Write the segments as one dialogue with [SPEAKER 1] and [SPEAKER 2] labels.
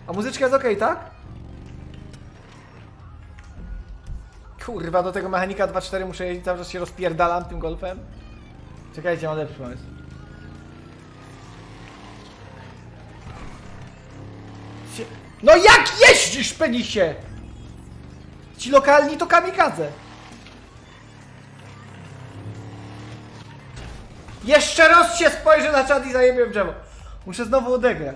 [SPEAKER 1] A muzyczka jest okej, tak? Kurwa, do tego mechanika 2.4 muszę jeździć, cały czas się rozpierdalam tym golfem. Czekajcie, mam lepszy pomysł. No jak jeździsz, penisie? Ci lokalni to kamikadze. Jeszcze raz się spojrzę na czat i zajebię w drzewo. Muszę znowu odegrać.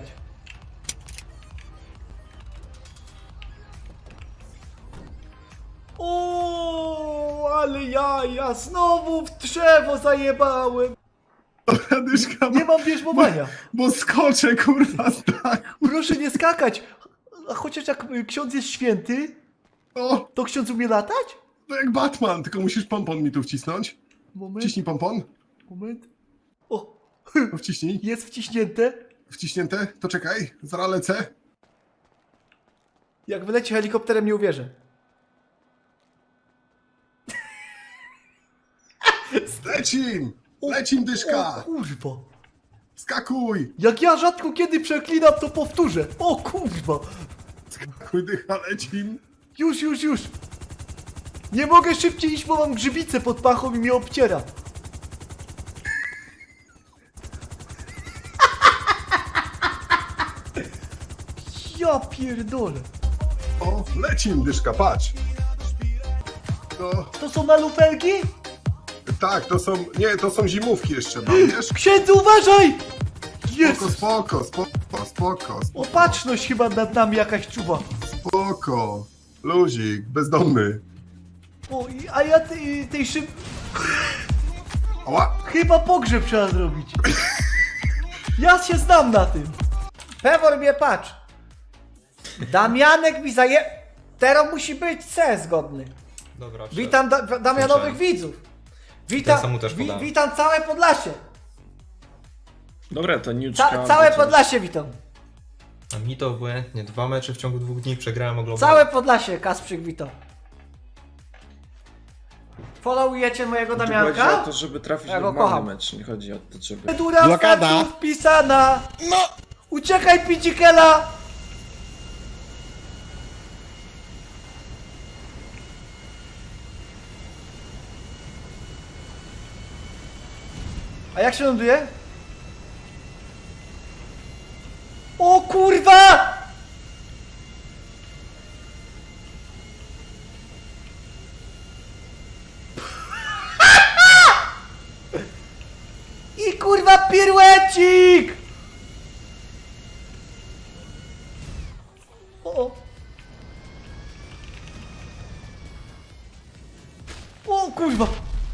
[SPEAKER 1] O, ale ja znowu w drzewo zajebałem.
[SPEAKER 2] Dyszka,
[SPEAKER 1] Nie mam bierzmowania.
[SPEAKER 2] bo skoczę, kurwa, z dachu.
[SPEAKER 1] Proszę nie skakać. A chociaż jak ksiądz jest święty,
[SPEAKER 2] O,
[SPEAKER 1] to ksiądz umie latać?
[SPEAKER 2] to jak Batman, tylko musisz pompon mi tu wcisnąć.
[SPEAKER 1] Moment,
[SPEAKER 2] Wciśnij pompon.
[SPEAKER 1] moment. O,
[SPEAKER 2] To wciśnij.
[SPEAKER 1] jest wciśnięte.
[SPEAKER 2] Wciśnięte? To czekaj, zaraz lecę.
[SPEAKER 1] Jak wyleci helikopterem, nie uwierzę.
[SPEAKER 2] Lecim! Lecim, dyszka!
[SPEAKER 1] O kurwa.
[SPEAKER 2] Skakuj!
[SPEAKER 1] Jak ja rzadko kiedy przeklinam, to powtórzę. O kurwa.
[SPEAKER 2] Skakuj, dycha, lecim!
[SPEAKER 1] Już. Nie mogę szybciej iść, bo mam grzybicę pod pachą i mnie obciera. Ja pierdolę.
[SPEAKER 2] O, lecim, dyszka, patrz! No,
[SPEAKER 1] To są malufelki?
[SPEAKER 2] tak, to są, nie, to są zimówki jeszcze, mam, wiesz?
[SPEAKER 1] Księdzu, uważaj! Jest!
[SPEAKER 2] Spoko.
[SPEAKER 1] Opatrzność chyba nad nami jakaś czuwa.
[SPEAKER 2] Spoko. Luzik, bezdomny.
[SPEAKER 1] O, a ja tej szyb...
[SPEAKER 2] Ała!
[SPEAKER 1] Chyba pogrzeb trzeba zrobić. Ja się znam na tym. Pewor mnie patrz. Damianek mi Teraz musi być C zgodny.
[SPEAKER 3] Dobra,
[SPEAKER 1] Witam Damianowych
[SPEAKER 3] Słyszałem.
[SPEAKER 1] widzów.
[SPEAKER 3] Ten sam mu też podałem.
[SPEAKER 1] Witam całe Podlasie.
[SPEAKER 4] Dobra, to Niuczka.
[SPEAKER 1] Całe Podlasie witam.
[SPEAKER 3] A mi to obłędnie. 2 mecze w ciągu 2 dni przegrałem, oglądałem.
[SPEAKER 1] Całe Podlasie, Kasprzyk witam. Followujecie mojego
[SPEAKER 4] Chodzi
[SPEAKER 1] Damianka?
[SPEAKER 4] o to, żeby trafić
[SPEAKER 1] Ja go
[SPEAKER 4] normalny
[SPEAKER 1] kocham.
[SPEAKER 4] mecz, nie chodzi o to, żeby...
[SPEAKER 1] Procedura
[SPEAKER 4] Blokada.
[SPEAKER 1] faktów wpisana.
[SPEAKER 4] No!
[SPEAKER 1] Uciekaj, Picikela! A jak się ląduje? O kurwa! I kurwa piruecik! O! O kurwa!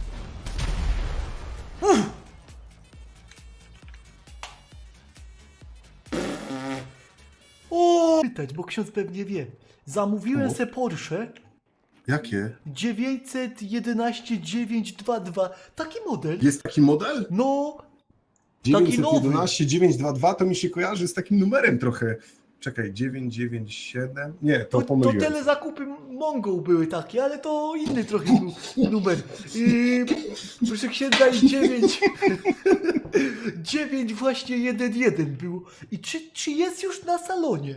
[SPEAKER 1] O! Pytać, bo ksiądz pewnie wie. Zamówiłem
[SPEAKER 2] O.
[SPEAKER 1] se Porsche
[SPEAKER 2] Jakie?
[SPEAKER 1] 911 922. Taki model.
[SPEAKER 2] Jest taki model?
[SPEAKER 1] No, taki nowy.
[SPEAKER 2] 911 922 to mi się kojarzy z takim numerem trochę. Czekaj, 997? Nie, to
[SPEAKER 1] To
[SPEAKER 2] pomyliłem.
[SPEAKER 1] telezakupy Mongol były takie, ale to inny trochę był numer. Proszę księdza i 9. 9 właśnie 1-1 był. I czy jest już na salonie?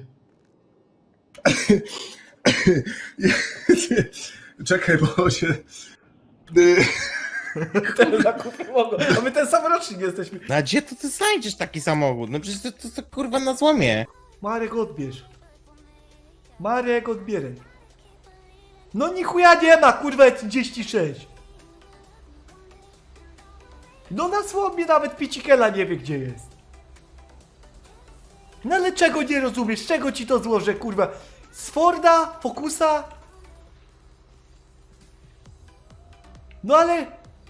[SPEAKER 2] Czekaj, bo się...
[SPEAKER 1] Telezakupy Mongol. A my ten sam rocznik jesteśmy.
[SPEAKER 5] No a gdzie to ty znajdziesz taki samochód? No przecież to kurwa na złomie.
[SPEAKER 1] Marek odbierz. Marek odbieraj. No ni chuja nie ma, kurwa 36. No na słomie nawet Picikela nie wie gdzie jest. No ale czego nie rozumiesz? Czego ci to złożę, kurwa? Z Forda? Focusa? No ale...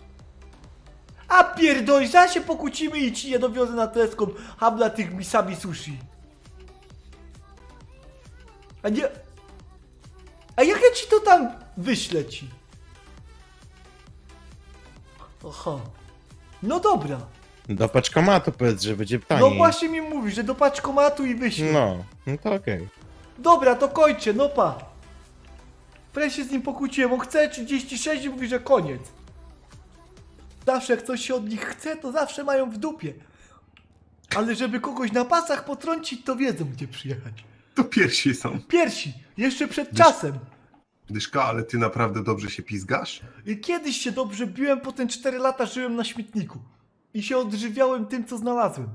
[SPEAKER 1] A pierdolisz, zaraz się pokłócimy i ci nie dowiozę na teleskop habla tych misami sushi. A nie... A jak ja ci to tam wyślę ci? Aha. No dobra.
[SPEAKER 5] Do paczkomatu powiedz, że będzie
[SPEAKER 1] No
[SPEAKER 5] taniej.
[SPEAKER 1] właśnie mi mówisz, że do paczkomatu i wyślę.
[SPEAKER 5] No to okej.
[SPEAKER 1] Dobra, to kończę, no pa. Prawie się z nim pokłóciłem, on chce 36 i mówi, że koniec. Zawsze jak coś się od nich chce, to zawsze mają w dupie. Ale żeby kogoś na pasach potrącić, to wiedzą gdzie przyjechać.
[SPEAKER 2] To piersi są.
[SPEAKER 1] Piersi, jeszcze przed czasem.
[SPEAKER 2] Dyszka, ale ty naprawdę dobrze się pizgasz?
[SPEAKER 1] I kiedyś się dobrze biłem, potem 4 lata żyłem na śmietniku. I się odżywiałem tym, co znalazłem.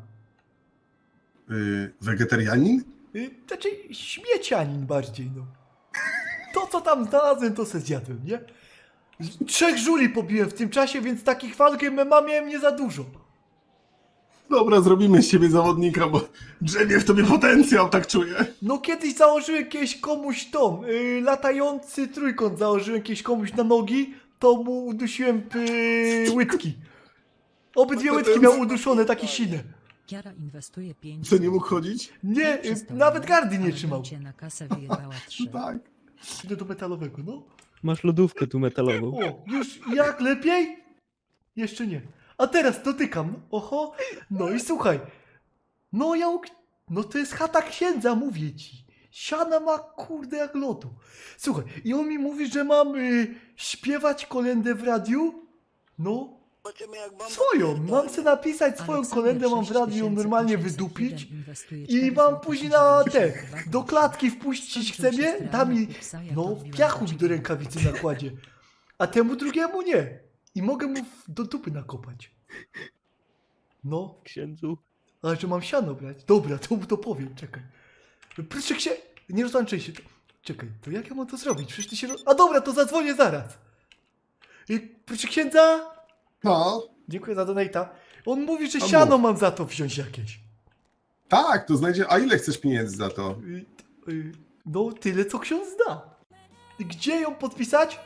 [SPEAKER 2] Wegetarianin?
[SPEAKER 1] Znaczy śmiecianin bardziej, no. To, co tam znalazłem, to se zjadłem, nie? 3 żuli pobiłem w tym czasie, więc takich walk MMA miałem nie za dużo.
[SPEAKER 2] Dobra, zrobimy z ciebie zawodnika, bo drzemie w tobie potencjał, tak czuję.
[SPEAKER 1] No kiedyś założyłem kiedyś komuś latający trójkąt założyłem kiedyś komuś na nogi, to mu udusiłem łydki. Obydwie
[SPEAKER 2] No to
[SPEAKER 1] łydki
[SPEAKER 2] ten-
[SPEAKER 1] miał uduszone, takie sine.
[SPEAKER 6] Kiara inwestuje 5.
[SPEAKER 2] Co, nie mógł chodzić?
[SPEAKER 1] Nie,
[SPEAKER 6] Przestał
[SPEAKER 1] nawet
[SPEAKER 6] mówić,
[SPEAKER 1] gardy nie
[SPEAKER 6] ale
[SPEAKER 1] trzymał.
[SPEAKER 6] cię na kasę wyjebała 3.
[SPEAKER 2] Tak.
[SPEAKER 1] Idę do metalowego, no.
[SPEAKER 7] Masz lodówkę tu metalową.
[SPEAKER 1] O, już jak lepiej? Jeszcze nie. A teraz dotykam. Oho. No i słuchaj. No no to jest chata księdza, mówię ci. Siana ma kurde jak lotu. Słuchaj, i on mi mówi, że mam śpiewać kolędę w radiu? No. Swoją. Mam sobie napisać swoją kolędę, mam w radiu ją normalnie wydupić. I mam później na do klatki wpuścić, chce mnie, da mi, no, piachu mi do rękawicy nakładzie, a temu drugiemu nie. I mogę mu do dupy nakopać. No,
[SPEAKER 7] Księdzu.
[SPEAKER 1] ale że mam siano brać. Dobra, to mu to powiem, czekaj. Proszę się, nie rozłączaj się. Czekaj, to jak ja mam to zrobić? Przecież ty się... A dobra, to zadzwonię zaraz. Proszę księdza.
[SPEAKER 2] No,
[SPEAKER 1] Dziękuję za donata. On mówi, że
[SPEAKER 2] A
[SPEAKER 1] siano mam za to wziąć jakieś.
[SPEAKER 2] tak, to znajdzie. A ile chcesz pieniędzy za to?
[SPEAKER 1] No, tyle co ksiądz da. I gdzie ją podpisać?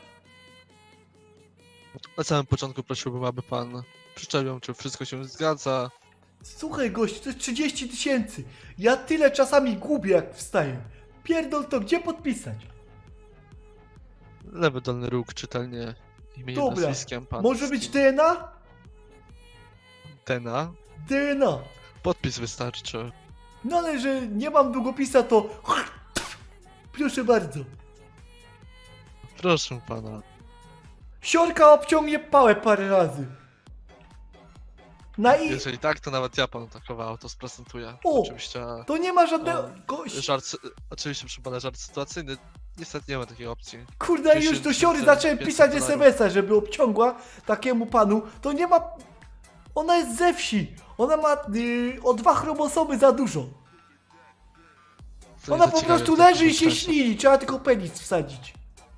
[SPEAKER 8] Na samym początku prosiłbym, aby pan przyczepił, czy wszystko się zgadza.
[SPEAKER 1] Słuchaj gościu, to jest 30 000. Ja tyle czasami gubię jak wstaję. Pierdol to, gdzie podpisać?
[SPEAKER 8] Lewy dolny róg, czytelnie imieniem,
[SPEAKER 1] Dobra,
[SPEAKER 8] nazwiskiem pan.
[SPEAKER 1] może być DNA?
[SPEAKER 8] Tena.
[SPEAKER 1] DNA.
[SPEAKER 8] Podpis wystarczy.
[SPEAKER 1] No ale że nie mam długopisa, to... Proszę bardzo.
[SPEAKER 8] Proszę pana.
[SPEAKER 1] Siorka obciągnie pałę parę razy. Na i...
[SPEAKER 8] Jeżeli tak, to nawet ja panu takowe auto sprezentuję.
[SPEAKER 1] O!
[SPEAKER 8] Oczywiście.
[SPEAKER 1] To nie ma żadnego...
[SPEAKER 8] O,
[SPEAKER 1] Gość...
[SPEAKER 8] oczywiście przy pana żart sytuacyjny. Niestety nie ma takiej opcji.
[SPEAKER 1] Kurde, już do siory zacząłem pisać
[SPEAKER 8] $500.
[SPEAKER 1] SMS-a, żeby obciągła takiemu panu. To nie ma... Ona jest ze wsi. Ona ma o 2 chromosomy za dużo.
[SPEAKER 8] To
[SPEAKER 1] Ona
[SPEAKER 8] nie
[SPEAKER 1] po
[SPEAKER 8] zaciekawie
[SPEAKER 1] prostu
[SPEAKER 8] w takim
[SPEAKER 1] leży i się
[SPEAKER 8] sensie.
[SPEAKER 1] ślini. Trzeba tylko penis wsadzić.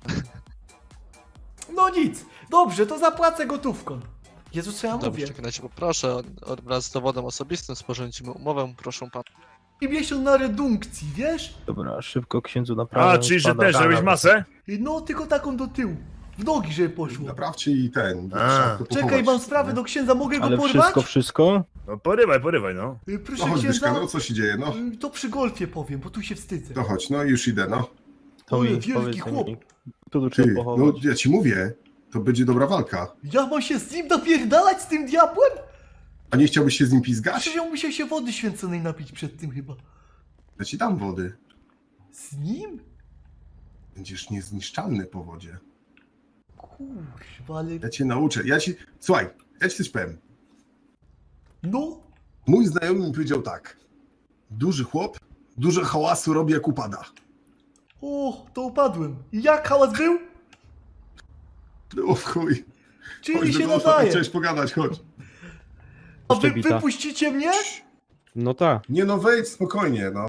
[SPEAKER 1] No nic. Dobrze, to zapłacę gotówką. Jezu, co ja
[SPEAKER 8] Dobrze,
[SPEAKER 1] mówię?
[SPEAKER 8] w takim razie poproszę wraz z dowodem osobistym sporządzimy umowę, proszę pana.
[SPEAKER 1] I miesiąc na redunkcji, wiesz?
[SPEAKER 7] Dobra, szybko księdzu naprawę.
[SPEAKER 9] A, czyli że też robisz masę?
[SPEAKER 1] No, tylko taką do tyłu. W nogi, żeby poszło.
[SPEAKER 2] Naprawcie i ten.
[SPEAKER 9] A.
[SPEAKER 2] trzeba to
[SPEAKER 1] Czekaj,
[SPEAKER 2] pochować,
[SPEAKER 1] mam sprawę
[SPEAKER 2] nie?
[SPEAKER 1] do księdza, mogę go
[SPEAKER 7] Ale
[SPEAKER 1] porwać?
[SPEAKER 7] wszystko?
[SPEAKER 9] No porywaj, no.
[SPEAKER 1] Proszę
[SPEAKER 2] No chodź, Dyszka,
[SPEAKER 1] księdza,
[SPEAKER 2] no co się dzieje, no?
[SPEAKER 1] to przy golfie powiem, bo tu się wstydzę.
[SPEAKER 2] To chodź, no już idę, no.
[SPEAKER 7] To
[SPEAKER 1] Oj,
[SPEAKER 7] mi
[SPEAKER 1] wielki
[SPEAKER 7] powiedz
[SPEAKER 1] chłop.
[SPEAKER 7] mi. Tu
[SPEAKER 2] Ty,
[SPEAKER 7] trzeba
[SPEAKER 2] no
[SPEAKER 7] pochować.
[SPEAKER 2] ja ci mówię, to będzie dobra walka.
[SPEAKER 1] Ja mam się z nim napierdalać, z tym diabłem?
[SPEAKER 2] A nie chciałbyś się z nim pizgać?
[SPEAKER 1] Przecież ja musiał się wody święconej napić przed tym chyba.
[SPEAKER 2] Ja ci dam wody.
[SPEAKER 1] Z nim?
[SPEAKER 2] Będziesz niezniszczalny po wodzie.
[SPEAKER 1] Kurwa, ale...
[SPEAKER 2] Ja cię nauczę. Słuchaj, ja ci coś powiem.
[SPEAKER 1] No,
[SPEAKER 2] Mój znajomy mi powiedział tak. Duży chłop, dużo hałasu robi jak upada.
[SPEAKER 1] o, to upadłem. I jak hałas był?
[SPEAKER 2] Było w chuj.
[SPEAKER 1] Czyli
[SPEAKER 2] Chodź
[SPEAKER 1] się
[SPEAKER 2] do golfa,
[SPEAKER 1] nadaje.
[SPEAKER 2] chciałeś pogadać, chodź.
[SPEAKER 1] A wy
[SPEAKER 7] Jeszcze bita.
[SPEAKER 1] wypuścicie mnie?
[SPEAKER 7] No tak.
[SPEAKER 2] Nie no, wejdź spokojnie, no.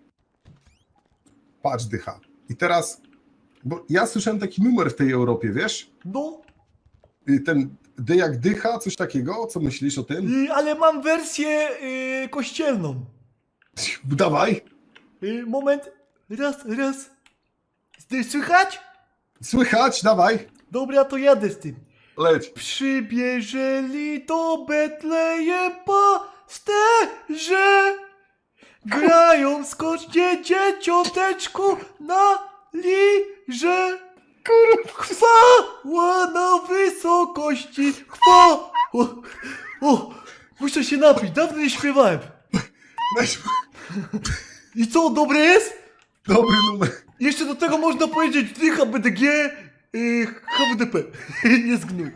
[SPEAKER 2] Patrz, dycha. I teraz, bo ja słyszałem taki numer w tej Europie, wiesz?
[SPEAKER 1] No,
[SPEAKER 2] Ten D jak dycha, coś takiego, co myślisz o tym?
[SPEAKER 1] ale mam wersję kościelną.
[SPEAKER 2] Dawaj,
[SPEAKER 1] Moment, raz. Słychać?
[SPEAKER 2] słychać, dawaj,
[SPEAKER 1] Dobra, to jadę z tym.
[SPEAKER 2] leć.
[SPEAKER 1] Przybierzeli do Betlejem pasterze, grają skocznie dzieciąteczku na lirze. Chwała na wysokości, chwała. O, muszę się napić, dawno nie śpiewałem.
[SPEAKER 2] Weź,
[SPEAKER 1] I co, dobre jest?
[SPEAKER 2] dobry numer.
[SPEAKER 1] Jeszcze do tego można powiedzieć dycha BDG, HWDP. Jest gnój.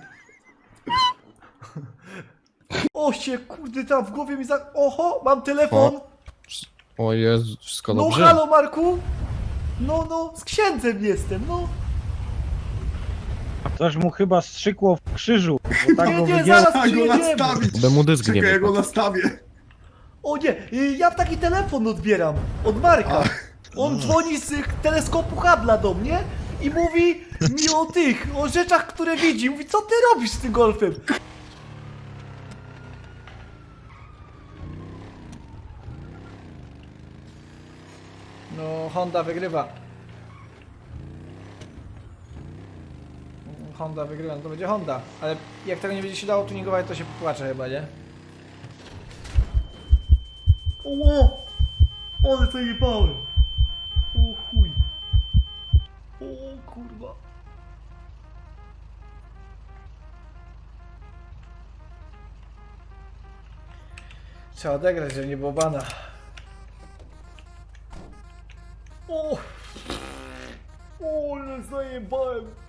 [SPEAKER 1] O się, kurde, tam w głowie mi Oho, mam telefon.
[SPEAKER 5] O Jezu, wszystko
[SPEAKER 1] No
[SPEAKER 5] dobrze?
[SPEAKER 1] halo Marku? No, z księdzem jestem, no.
[SPEAKER 7] Ktoś mu chyba strzykło w krzyżu, bo tak go
[SPEAKER 1] Nie,
[SPEAKER 7] wygięło.
[SPEAKER 1] zaraz
[SPEAKER 2] Tak go
[SPEAKER 1] przyjedziemy.
[SPEAKER 2] nastawić.
[SPEAKER 5] By mu dysk nie
[SPEAKER 2] Czekaj, ja go
[SPEAKER 5] wypadł.
[SPEAKER 2] nastawię.
[SPEAKER 1] O nie, ja taki telefon odbieram od Marka. On dzwoni z teleskopu Hubble'a do mnie i mówi mi o rzeczach, które widzi. Mówi, co ty robisz z tym golfem? No, Honda wygrywa. Honda wygrywa, no to będzie Honda. Ale jak tego nie będzie się dało tuningować, to się popłaczę chyba, nie? O! Ale zajebałem! O chuj! O kurwa! Trzeba odegrać, żeby nie było bana. O! O, ale zajebałem!